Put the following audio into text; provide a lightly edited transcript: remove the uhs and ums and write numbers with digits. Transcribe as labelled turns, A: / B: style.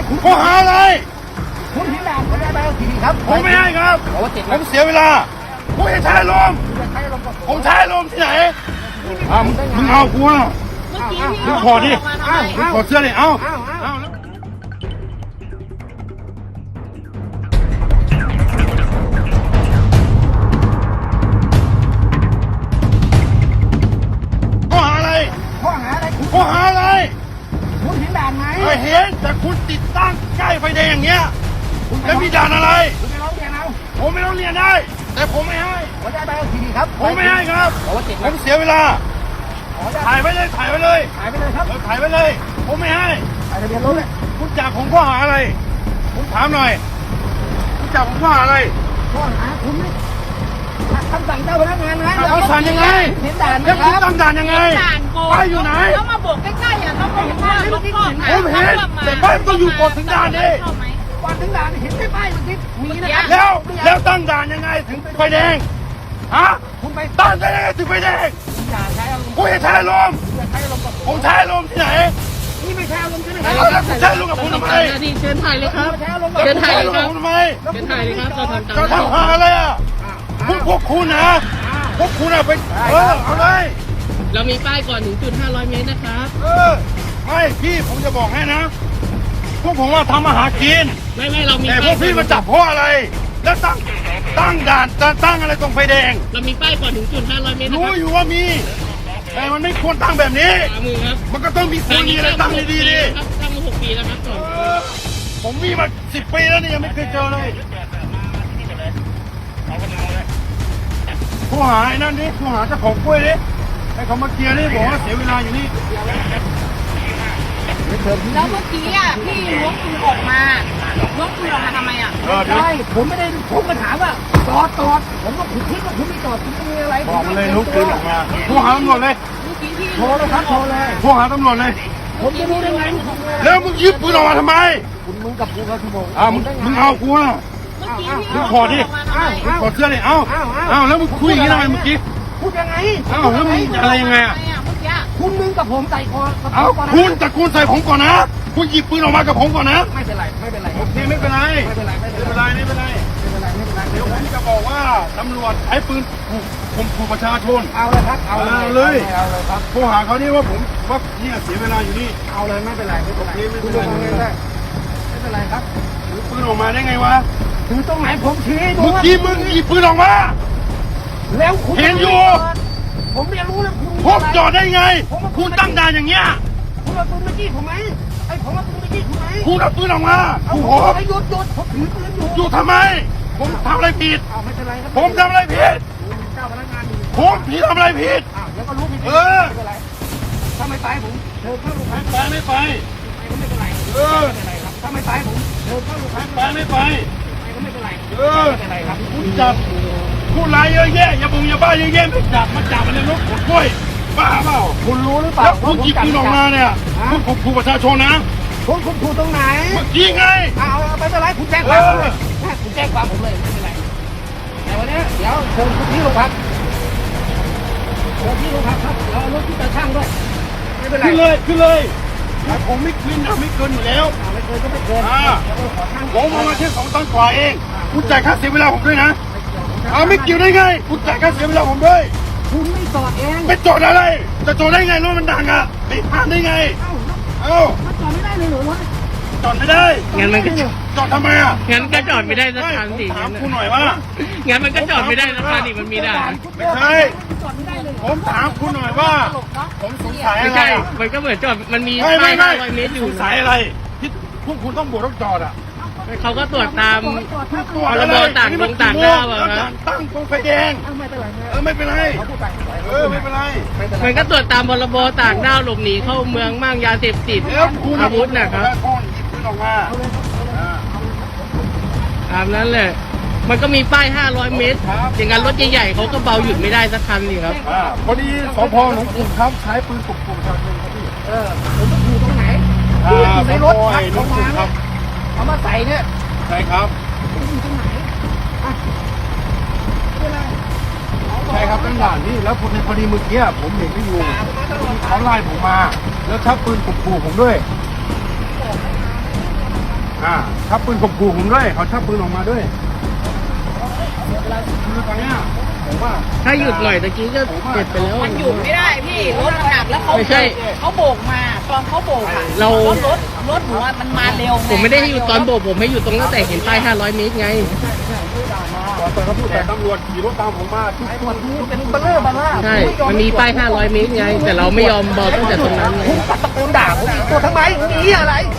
A: ข้อหาอะไร
B: คุณที่ด่านผมได้ใบขับขี่ครับ
A: ผมไม่ให้ครับผมเสียเวลาผมจะใช้ลมผมใช้ลมที่ไหนมึงเอากูอ่ะมึงขอดิมึงขอเสื้อดิเอาข้อหาอะไร
B: ข้อหาอะไรคุณเห็นด่านไหม
A: เห็นแต่คุณติดตั้งใกล้ไฟแดงอย่างเงี้ยแล้วมีด่านอะไร
B: คุณไปร้องเรียนเอา
A: ผมไม่ต้องเรียนได้แต่ผมไม่ให้
B: ผมได้ใบขับขี่ครับ
A: ผมไม่ให้ครับผมเสียเวลาถ่ายไปเลยครับถ่ายไปเลยผมไม่ให้
B: ถ่ายทะเบียนรถเลย
A: คุณจับผมข้อหาอะไรผมถามหน่อยคุณจับผมข้อหาอะไร
B: ข้อหาคุณไม่คำสั่งเจ้าพนักงานนะ
A: เขาสั่งยังไง
B: เห็นด่านไหม
A: ครับคุณตั้งด่านยังไงป้ายอยู่ไหน
C: แล้วมาโบกใกล้ๆอ่ะต้องบอกว่า
A: ผมเห็นแต่ป้ายต้องอยู่ก่อนถึงด่านดิ
B: ก่อนถึงด่านเห็นป้ายมันติดมีนะ
A: แล้วตั้งด่านยังไงถึงไฟแดงฮะ
B: คุณไป
A: ตั้งได้ยังไงถึงไฟแดงกูจะใช้ลมผมใช้ลมที่ไหน
B: นี่ไม่ใช่อารมณ์ใช่ไหมครั
A: บแล้วคุณใช้ลมกับผมทำไม
C: เชิญถ่ายเลยครับ
A: เชิญถ่ายเลยครับทำไม
C: เชิญถ่ายเลยครับ
A: จะทำหาอะไรอ่ะพวกคุณนะไปเอาเลย
C: เรามีป้ายก่อนถึงจุด500 เมตรนะครับ
A: ไม่พี่ผมจะบอกให้นะพวกผมว่าทำอาหารกิน
C: ไม่เรามี
A: แต่พวกพี่มาจับเพราะอะไรแล้วตั้งด่านตั้งอะไรตรงไฟแดง
C: เรามีป้ายก่อนถึงจุด500 เมตร
A: รู้อยู่ว่ามีแต่มันไม่ควรตั้งแบบนี้มันก็ต้องมีคนมีอะไรตั้งดีๆดิ
C: ตั้งมา6 ปีแล้วครับ
A: ผมมีมา10 ปีแล้วนี่ยังไม่เคยเจอเลยผู้หาไอ้นั่นดิผู้หาเจ้าของกล้วยดิให้เขามาเคลียร์ดิบอกว่าเสียเวลาอยู่นี่
C: แล้วเมื่อกี้อ่ะพี่ล้วงปืนออกมาทำไมอ่ะ
B: ใช่ผมไม่ได้ผมมาถามว่าจอดผมก็คิดว่าคุณไม่จอดคุณมีอะไร
A: บอกเลยลุกปืนออกมาผู้หาตำรวจเลย
B: โทรเลยครับโทรเลย
A: ผู้หาตำรวจเลย
B: ผมจะรู้ได้ไง
A: แล้วมึงยึดปืนออกมาทำไม
B: มึงกับกูก็ชั่วโมง
A: มึงเอากูอ่ะมึงขอดิมึงขอเสื้อดิเอาแล้วมึงคุยอย่างนี้ทำไมเมื่อกี้
B: พูดยังไง
A: แล้วมึงอะไรยังไงอ่ะ
B: มึงกับผมใส่คอ
A: คุณแต่คุณใส่ผมก่อนนะคุณหยิบปืนออกมากับผมก่อนนะ
B: ไม่เป็นไร
A: โอเคไม่เป็นไรเดี๋ยวผมจะบอกว่าตำรวจใช้ปืนข่มขู่ประชาชน
B: เอาเลยครับเอา
A: เลยครับโทรหาเขานี่ว่าผมว่าเนี่ยเสียเวลาอยู่นี่
B: เอาเลยไม่เป็นไรไม่เป็นไรครับ
A: ถือปืนออกมาได้ไงวะ
B: ถือตรงไหนผมชี้
A: เมื่อกี้มึงหยิบปืนออกมา
B: แล้วคุณ
A: เห็นอยู่
B: ผมไม่รู้แล้ว
A: ผมจอดได้ไงคุณตั้งด่านอย่างเงี้ย
B: คุณเอาปืนมาจี้ผมไหมผมเอาปืนมาจี้คุณไหม
A: คุณเอาปืนออกมา
B: ผมหยุดผมถือปืน
A: อยู่ทำไมผมทำอะไรผิด
B: ไม่เป็นไรครับ
A: ผมทำอะไรผิด
B: เจ้าพนักงาน
A: ผมผิดทำอะไรผิด
B: แล้วก็รู้ผิดไม่เป็นไรถ้าไม่ไปผมเชิญเข้าโรงพัก
A: ไม่ไป
B: ก็ไม่เป็นไรไม่เป็นไรครับถ้าไม่ไปผมเชิญเข้าโรงพัก
A: ไม่ไป
B: ก็ไม่เป็นไร
A: ไม่เป็นไรครับคุณจับผู้ร้ายเยอะแยะอย่าบ้าเยอะแยะไม่จับมาจับมันในรถขนกล้วยบ้าเปล่า
B: คุณรู้หรือเปล่า
A: แล้วคุณหยิบปืนออกมาเนี่ยคุณข่มขู่ประชาชนนะ
B: คุณถูกตรงไหน
A: เมื่อกี้ไง
B: เอาไม่เป็นไรคุณแจ้งความผมเลยคุณแจ้งความผมเลยไม่เป็นไรแต่วันนี้เดี๋ยวเชิญคุณที่โรงพักครับแล้วรถที่จะช่างด้วยไม่เป็นไร
A: ขึ้นเลยผมไม่ขึ้นนะไม่เกินอยู่แล้ว
B: ไม่เกินก็ไม่เกิน
A: ผมมาแค่2 ตันกว่าเองคุณจ่ายค่าเสียเวลาผมด้วยนะไม่เกี่ยวได้ไงคุณจ่ายค่าเสียเวลาผมด้วย
B: คุณไม่จอดเอง
A: ไม่จอดอะไรจะจอดได้ไงรถมันดังอ่ะไปผ่านได้ไง
B: มันจอดไม่ได้เลยเหรอวะ
A: จอดไม่ได้
C: งั้นมันก็
A: จอดทำไมอ่ะ
C: งั้นก็จอดไม่ได้สักคันสิ
A: ถามคุณหน่อยว่า
C: งั้นมันก็จอดไม่ได้สักคันดิมันมีด่าน
A: ไม่ใช่ผมถามคุณหน่อยว่าผมสงสัยอะไร
C: ไม่ใช่มันก็เหมือนจอดมันมีป้าย500 เมตรอยู่
A: สงสัยอะไรที่พวกคุณต้องบวกต้องจอดอ่ะ
C: เขาก็ตรวจตามพรบต่างด้าวอะครับ
A: ตั้งตรงไฟแดงไม่เป็นไรไม่เป็นไร
C: มันก็ตรวจตามพรบต่างด้าวหลบหนีเข้าเมืองมั่งยาเสพติดอาวุธนะครับตามนั้นเลยมันก็มีป้าย500 เมตรอย่างนั้นรถใหญ่ๆเขาก็เบาหยุดไม่ได้สักคันนี่ครับ
A: พอดีสพหนองกรุงครับใช้ปืนข่มขู่ประชาชนครับพี่
B: ผมต้องอยู่ตรงไหนอยู่ในรถเขามาครับเอามาใส่เนี่ย
A: ใช่ครับ
B: อยู่ตรงไหน
A: ใช่ครับตั้งด่านนี่แล้วพอดีเมื่อกี้ผมเห็นไม่อยู่เขาไล่ผมมาแล้วชักปืนข่มขู่ผมด้วยชักปืนข่มขู่ผมด้วยเขาชักปืนออกมาด้วยคือตอนเนี้ยผมว่า
C: ถ้าหยุดหน่อยตะกี้ก็เจ็บไปแล้ว
D: มันหยุดไม่ได้พี่รถมันหนักแล้วเขา
C: ไม่ใช่
D: เขาโบกมาตอนเขาโบกอะ
C: เรา
D: รถหนูอะมันมาเร็วง
C: ผมไม่ได้ให้หยุดตอนโบกผมให้หยุดตรงตั้งแต่เห็นป้าย 500 เมตรไง
A: แต่ตำรวจขี่รถตามผมมาทุกคน
B: เป็นเบลเลอร์บ้าล่า
C: ใช่ มันมีป้าย 500 เมตรไง แต่เราไม่ยอมบอกตั้งแต่ตรงนั้นไง
B: คุณตะโกนด่าผมอีกตัวทำไมหนีอะไร